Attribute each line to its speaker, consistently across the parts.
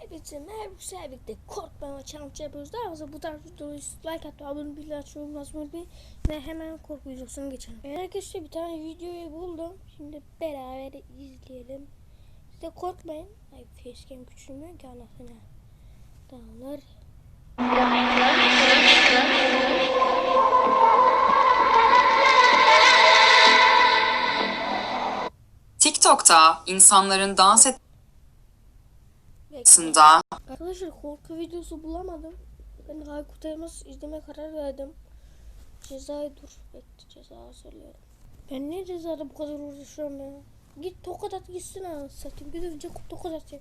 Speaker 1: Herkese merhaba, birlikte korkmama challenge yapıyoruz. Daha fazla bu tarz videoyu like atmayı, abone olmayı, açmayı unutmayın ve hemen korku videosuna geçelim. Arkadaşlar bir tane videoyu buldum. Şimdi beraber izleyelim. Siz de korkmayın. Ay facecam küçülmüyor ki anasını. Dağılır.
Speaker 2: TikTok'ta insanların dans etmesinde
Speaker 1: Arkadaşlar korku videosu bulamadım. Ben Aykut Elmas izleme karar verdim. Cezayı bekle, ceza söylüyorum. Ben ne cezada bu kadar uğraşıyorum ya. Git tokat at gitsin ha, satayım. Gidince tokat atacağım.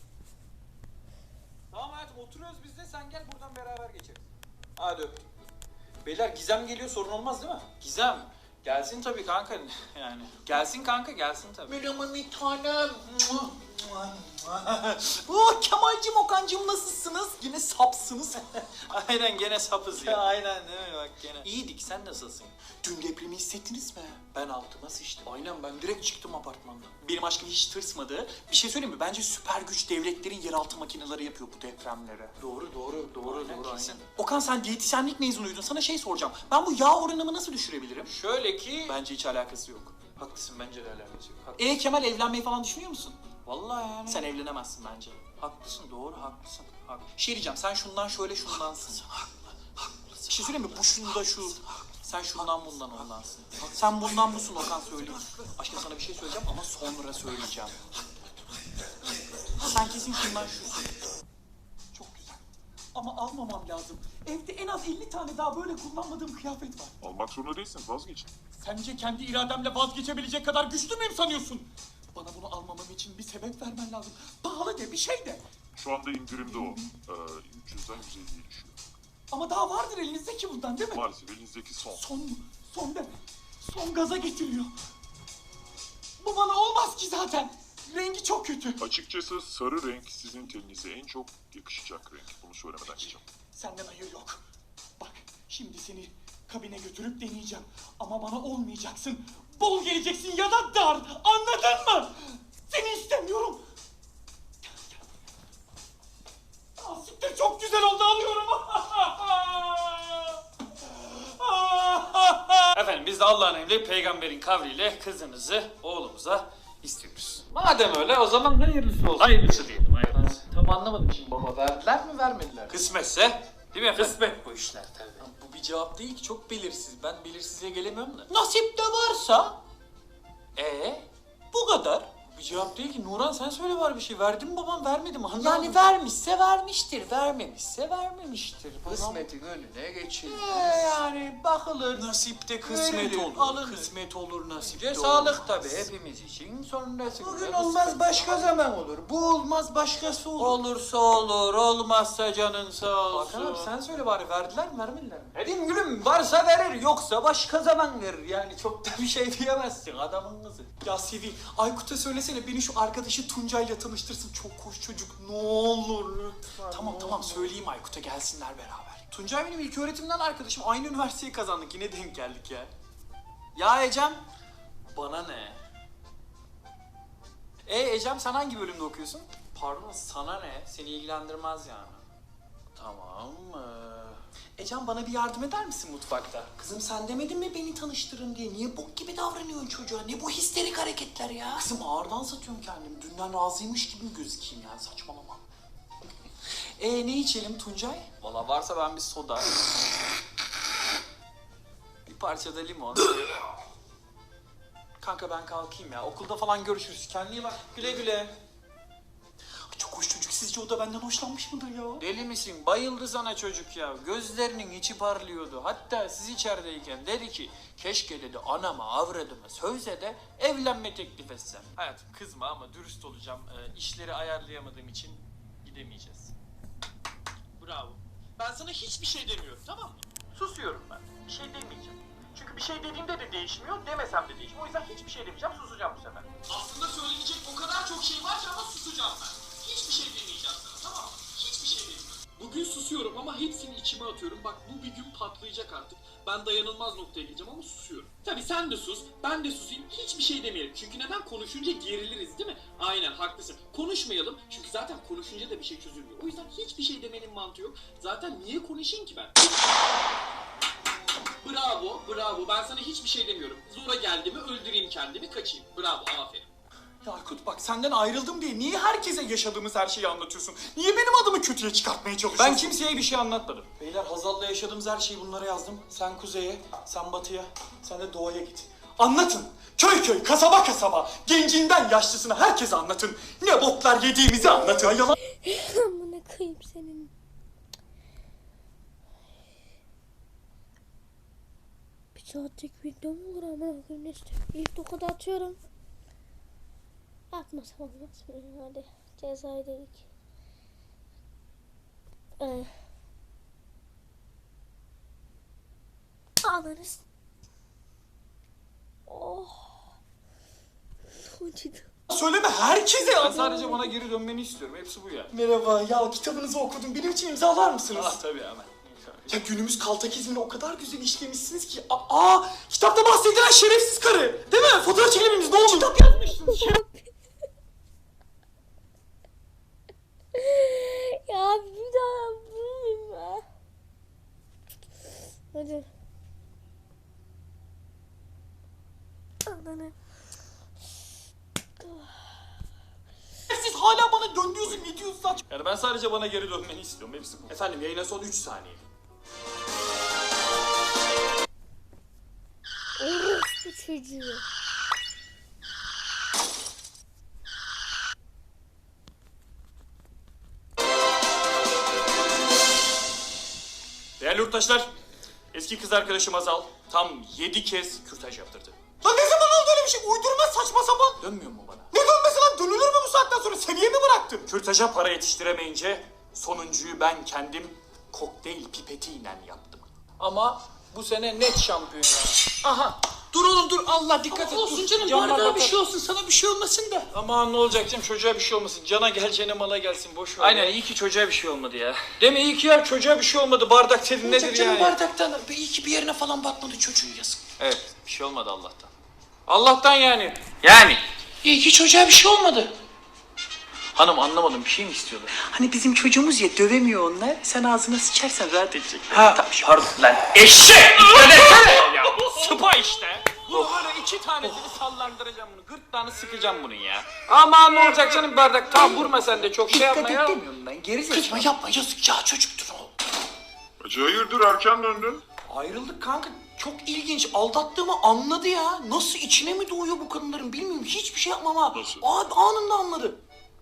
Speaker 3: Tamam hayatım, oturuyoruz biz de, sen gel buradan beraber geçeriz. Hadi öptüm. Beyler, Gizem geliyor, sorun olmaz değil mi? Gizem gelsin tabii kanka, yani. Gelsin kanka, gelsin tabii. Merhaba bir tanem. Kemal'cim, Okan'cım nasılsınız? Yine sapsınız. Aynen, gene sapız ya. Aynen değil mi, bak gene. İyiydik, sen nasılsın? Dün depremi hissettiniz mi? Ben altıma sıçtım. Aynen, ben direkt çıktım apartmandan. Benim aşkım hiç tırsmadı. Bir şey söyleyeyim mi? Bence süper güç devletlerin yeraltı makineleri yapıyor bu depremleri. Doğru. Aynen. Okan, sen diyetisyenlik mezunuydun. Sana şey soracağım. Ben bu yağ oranımı nasıl düşürebilirim? Şöyle ki... Bence hiç alakası yok. Haklısın, bence de alakası yok. Kemal, evlenmeyi falan düşünüyor musun? Vallahi yani. Sen evlenemezsin bence. Haklısın, doğru, haklısın. Şey diyeceğim, sen şundan şöyle şundansın. Bir şey söyleyeyim mi? Bu şunda şu. Sen şundan bundan ondansın. Sen bundan busun Okan, söyleyeyim. Aşkım, sana bir şey söyleyeceğim ama sonra söyleyeceğim. Sen kesin şundan şusun. Çok güzel. Ama almamam lazım. Evde en az 50 tane daha böyle kullanmadığım kıyafet var.
Speaker 4: Almak zorunda değilsin, vazgeçin.
Speaker 3: Sence kendi irademle vazgeçebilecek kadar güçlü müyüm sanıyorsun? Bana bunu almamam için bir sebep vermen lazım. Pahalı de, bir şey de.
Speaker 4: Şu anda indirimde o. 300'den 150'ye düşüyor.
Speaker 3: Ama daha vardır elinizdeki bundan, değil mi?
Speaker 4: Maalesef elinizdeki son.
Speaker 3: Son deme. Son gaza getiriyor. Bu bana olmaz ki zaten. Rengi çok kötü.
Speaker 4: Açıkçası sarı renk sizin teninize en çok yakışacak renk. Bunu söylemeden geçeceğim.
Speaker 3: Senden hayır yok. Bak, şimdi seni kabine götürüp deneyeceğim. Ama bana olmayacaksın. Bol geleceksin ya da dar. Anladın mı? Seni istemiyorum. Gel. Siktir, çok güzel oldu, alıyorum. Efendim, biz de Allah'ın emri peygamberin kavliyle kızınızı oğlumuza istiyoruz. Madem öyle, o zaman hayırlısı olsun. Hayırlısı diyelim, hayırlısı. Tam anlamadım şimdi baba, verdiler mi vermediler? Kısmetse, değil mi efendim? Kısmet bu işler tabii. Bu bir cevap değil ki, çok belirsiz. Ben belirsizliğe gelemiyorum da. Nasip de varsa. Bu kadar. Bir cevap değil ki. Nuran, sen söyle bari bir şey. Verdi mi babam, vermedi mi? Anlamadım. Yani vermişse vermiştir, vermemişse vermemiştir.
Speaker 5: Kısmetin önüne geçilmez.
Speaker 3: Yani bakılır. Nasipte kısmet
Speaker 5: Verilir,
Speaker 3: olur.
Speaker 5: alınır.
Speaker 3: Kısmet olur, nasipte
Speaker 5: Önce
Speaker 3: olur.
Speaker 5: sağlık tabii hepimiz için, sonrasında
Speaker 3: Bugün
Speaker 5: kısmet.
Speaker 3: olmaz, başka zaman olur. Bu olmaz, başkası olur.
Speaker 5: Olursa olur, olmazsa canın sağ olsun.
Speaker 3: Hakan abi, sen söyle bari, verdiler mi vermediler mi?
Speaker 5: Dedim gülüm, varsa verir, yoksa başka zaman verir. Yani çok da bir şey diyemezsin adamın kızı.
Speaker 3: Ya Sevi, Aykut'a söylesene beni şu arkadaşı Tuncay'la tanıştırsın. Çok hoş çocuk, ne olur lütfen. Tamam söyleyeyim Aykut'a, gelsinler beraber. Tuncay benim ilk öğretimden arkadaşım. Aynı üniversiteyi kazandık, yine denk geldik ya. Ya Ecem. Bana ne? Ecem, sen hangi bölümde okuyorsun? Pardon, sana ne? Seni ilgilendirmez yani. Tamam. Ecem, bana bir yardım eder misin mutfakta? Kızım, sen demedin mi beni tanıştırın diye? Niye bok gibi davranıyorsun çocuğa? Ne bu histerik hareketler ya? Kızım, ağırdan satıyorum kendimi. Dünden razıymış gibi mi gözükeyim yani, saçmalama. Ne içelim Tuncay? Valla varsa ben bir soda. Bir parça da limon. Kanka ben kalkayım ya. Okulda falan görüşürüz. Kendine iyi bak. Güle güle. Çok hoş çocuk. Sizce o da benden hoşlanmış mıdır ya?
Speaker 5: Deli misin? Bayıldı sana çocuk ya. Gözlerinin içi parlıyordu. Hatta siz içerideyken dedi ki, keşke dedi anama avradıma sözle de evlenme teklif etsem.
Speaker 3: Hayatım, kızma ama dürüst olacağım. İşleri ayarlayamadığım için gidemeyeceğiz. Bravo. Ben sana hiçbir şey demiyorum, tamam mı? Susuyorum ben. Bir şey demeyeceğim. Çünkü bir şey dediğimde de değişmiyor, demesem de değişmiyor. O yüzden hiçbir şey demeyeceğim, susacağım bu sefer. Aslında söyleyecek o kadar çok şey var ki ama susacağım ben. Hiçbir şey demeyeceğim sana, tamam mı? Hiçbir şey demiyorum.
Speaker 6: Bugün susuyorum ama hepsini içime atıyorum. Bak bu bir gün patlayacak artık. Ben dayanılmaz noktaya geleceğim ama susuyorum. Tabii sen de sus, ben de susayım. Hiçbir şey demeyelim. Çünkü neden? Konuşunca geriliriz değil mi? Aynen haklısın. Konuşmayalım. Çünkü zaten konuşunca da bir şey çözülmüyor. O yüzden hiçbir şey demenin mantığı yok. Zaten niye konuşayım ki ben? Bravo, bravo. Ben sana hiçbir şey demiyorum. Zora geldi mi öldüreyim kendimi, kaçayım. Bravo, aferin.
Speaker 3: Ya Aykut bak senden ayrıldım diye niye herkese yaşadığımız her şeyi anlatıyorsun? Niye benim adımı kötüye çıkartmaya çalışıyorsun?
Speaker 5: Ben kimseye bir şey anlatmadım.
Speaker 3: Beyler Hazal'la yaşadığımız her şeyi bunlara yazdım. Sen kuzeye, sen batıya, sen de doğuya git. Anlatın. Köy köy, kasaba kasaba, gencinden yaşlısına herkese anlatın. Ne botlar yediğimizi anlatın. Yalan.
Speaker 1: Amına koyayım senin. Bir saatlik video mu olur amına koyayım, neyse. İlk tokadı atıyorum. Atmasam olmaz mı? Hadi cezayı dedik. Alırız. Oh. Acıdı.
Speaker 3: Söyleme herkese
Speaker 5: Ben
Speaker 3: anlat.
Speaker 5: sadece bana geri dönmeni istiyorum. Hepsi bu ya.
Speaker 3: Merhaba, ya kitabınızı okudum. Benim için imzalar mısınız?
Speaker 5: Tabii hemen.
Speaker 3: Ya günümüz kaltakizmini o kadar güzel işlemişsiniz ki. Kitapta bahsedilen şerefsiz karı. Değil mi? Fotoğraf çekebilir miyiz? Ne olur? Kitap yazmışsınız.
Speaker 1: Ya bir daha bulmayayım ya. Hadi. Ananı.
Speaker 3: Siz hala bana dön diyorsun, ne diyorsun saç?
Speaker 5: Yani ben sadece bana geri dönmeni istiyorum. Hepsi bu.
Speaker 3: Efendim yayına son 3 saniye.
Speaker 1: Orospu çocuğu.
Speaker 5: Değerli yurttaşlar, eski kız arkadaşım Azal tam 7 kez kürtaj yaptırdı.
Speaker 3: Lan ne zaman oldu öyle bir şey? Uydurma saçma sapan.
Speaker 5: Dönmüyor mu bana?
Speaker 3: Ne dönmesi lan? Dönülür mü bu saatten sonra? Seviye mi bıraktın?
Speaker 5: Kürtaja para yetiştiremeyince sonuncuyu ben kendim kokteyl pipetiyle yaptım.
Speaker 6: Ama bu sene net şampiyon ya. Aha. Dur oğlum dur, Allah dikkat et.
Speaker 5: olsun
Speaker 6: dur.
Speaker 5: canım,
Speaker 6: Camlar
Speaker 5: bardağa bir
Speaker 6: batar.
Speaker 5: şey
Speaker 6: olsun, sana bir şey olmasın da.
Speaker 5: Aman ne olacak canım, çocuğa bir şey olmasın. Cana geleceğine mala gelsin, boş ver.
Speaker 6: Aynen,
Speaker 5: iyi ki çocuğa bir şey olmadı ya. Değil mi? İyi ki ya çocuğa bir şey olmadı. Bardak senin nedir yani?
Speaker 6: bardaktan iyi ki bir yerine falan batmadı çocuğun, yazık.
Speaker 5: Evet, bir şey olmadı Allah'tan. Allah'tan yani. Yani.
Speaker 6: İyi ki çocuğa bir şey olmadı.
Speaker 5: Hanım anlamadım, bir şey mi istiyorlar?
Speaker 6: Hani bizim çocuğumuz ya, dövemiyor onlar. Sen ağzına sıçarsan rahat edecek.
Speaker 5: Ha, pardon lan. Eşek! Söylesene ya. Sıpa işte. Bunu böyle 2 tanesini sallandıracağım bunu. Gırtlağını sıkacağım bunun ya. Aman ne olacak canım bardak. Tamam vurma sen de çok şey yapma ya.
Speaker 6: demiyorum ben, gerizekalı. Yapma yazık ya, çocuktur o.
Speaker 4: Hacı hayırdır erken döndün?
Speaker 6: Ayrıldık kanka. Çok ilginç. Aldattığımı anladı ya. Nasıl içine mi doğuyor bu kadınların bilmiyorum. Hiçbir şey yapmam ha.
Speaker 4: Nasıl?
Speaker 6: Abi anında anladı.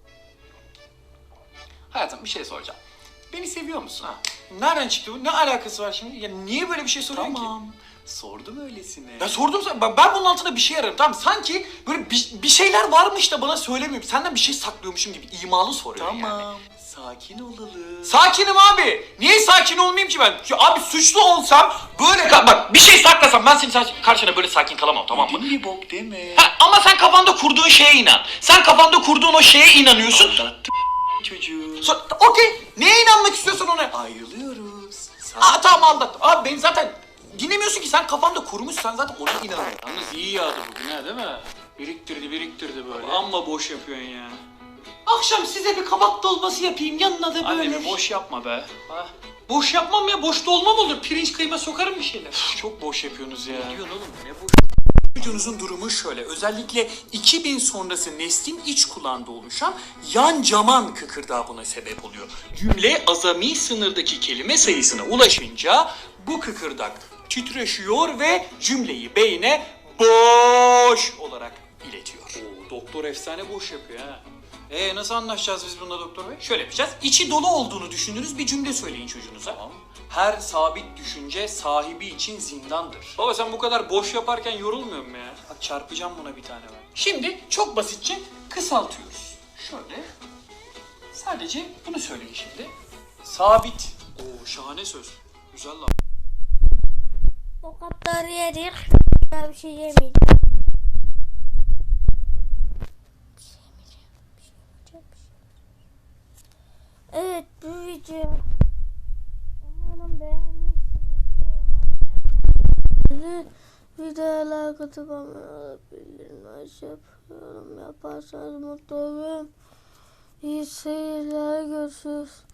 Speaker 5: Hayatım bir şey soracağım. Beni seviyor musun? Ha? Nereden çıktı bu? Ne alakası var şimdi? Ya niye böyle bir şey soruyorsun ki?
Speaker 6: Sordum öylesine.
Speaker 5: Ya sordum sana. Ben bunun altında bir şey ararım. Tamam sanki böyle bir şeyler varmış da bana söylemiyorum. Senden bir şey saklıyormuşum gibi imalı soruyor yani.
Speaker 6: Sakin olalım.
Speaker 5: Sakinim abi. Niye sakin olmayayım ki ben? Ya abi suçlu olsam böyle bak bir şey saklasam ben senin karşına böyle sakin kalamam tamam mı?
Speaker 6: Bir bok deme.
Speaker 5: Ha, ama sen kafanda kurduğun şeye inan. Sen kafanda kurduğun o şeye inanıyorsun.
Speaker 6: Çocuğu.
Speaker 5: Okey. Neye inanmak istiyorsan ona.
Speaker 6: Ayrılıyoruz.
Speaker 5: Tamam anlat. Abi beni zaten dinlemiyorsun ki sen kafanda kurmuş sen zaten ona inanıyorsun.
Speaker 6: Yalnız iyi yağdı bugün ha, değil mi? Biriktirdi böyle.
Speaker 5: Amma boş yapıyorsun ya.
Speaker 6: Akşam size bir kabak dolması yapayım, yanına da böyle.
Speaker 5: Anne boş yapma be.
Speaker 6: Boş yapmam ya, boş dolma mı olur? Pirinç kıyma sokarım bir şeyler.
Speaker 5: Çok boş yapıyorsunuz ya.
Speaker 6: Ne diyorsun oğlum, ne boş?
Speaker 5: Çocuğunuzun durumu şöyle. Özellikle 2000 sonrası neslin iç kulağında oluşan yan caman kıkırdağı buna sebep oluyor. Cümle azami sınırdaki kelime sayısına ulaşınca bu kıkırdak titreşiyor ve cümleyi beyne boş olarak iletiyor.
Speaker 6: Oo, doktor efsane boş yapıyor ha.
Speaker 5: Nasıl anlaşacağız biz bununla doktor bey? Şöyle yapacağız. İçi dolu olduğunu düşündüğünüz bir cümle söyleyin çocuğunuza.
Speaker 6: Tamam.
Speaker 5: Her sabit düşünce sahibi için zindandır.
Speaker 6: Baba sen bu kadar boş yaparken yorulmuyor mu ya?
Speaker 5: Bak çarpacağım buna bir tane ben. Şimdi çok basitçe kısaltıyoruz. Şöyle. Sadece bunu söyleyin şimdi. Sabit.
Speaker 6: Oo şahane söz. Güzel lan.
Speaker 1: O kadar yedik. Ben bir şey yemeyeceğim. Evet bu video Bir de like atıp abone olabilirim. Yaparsanız mutlu olurum. İyi seyirler, görüşürüz.